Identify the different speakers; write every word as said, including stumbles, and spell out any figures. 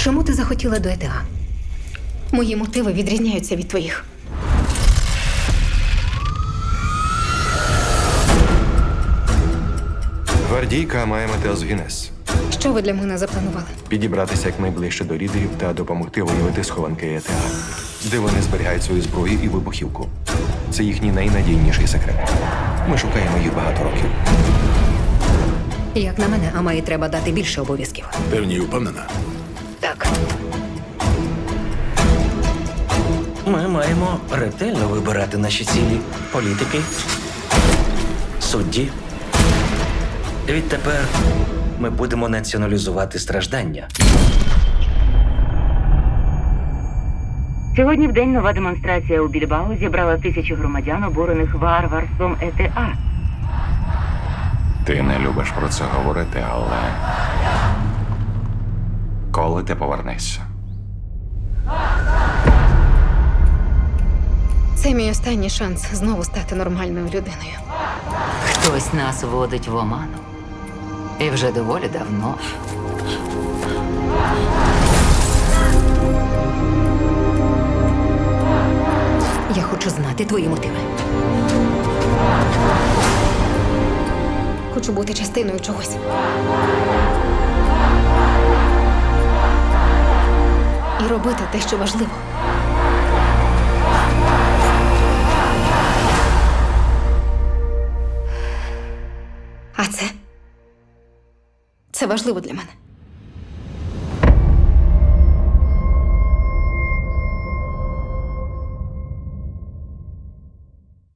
Speaker 1: Чому ти захотіла до ЕТА? Мої мотиви відрізняються від твоїх.
Speaker 2: Гвардійка має метеозгінез.
Speaker 1: Що ви для мене запланували?
Speaker 2: Підібратися якнайближче до лідерів та допомогти виявити схованки ЕТА, де вони зберігають свою зброю і вибухівку. Це їхній найнадійніший секрет. Ми шукаємо їх багато років.
Speaker 1: Як на мене, Амаї треба дати більше обов'язків.
Speaker 3: Ти в ній впевнена?
Speaker 1: Так.
Speaker 4: Ми маємо ретельно вибирати наші цілі. Політики, судді. Відтепер ми будемо націоналізувати страждання.
Speaker 5: Сьогодні в день нова демонстрація у Більбао зібрала тисячі громадян, обурених варварством ЕТА.
Speaker 2: Ти не любиш про це говорити, але коли ти повернешся?
Speaker 1: Це мій останній шанс знову стати нормальною людиною.
Speaker 6: Хтось нас водить в оману. І вже доволі давно.
Speaker 1: Я хочу знати твої мотиви. Хочу бути частиною чогось. І робити те, що важливо. А це? Це важливо для мене.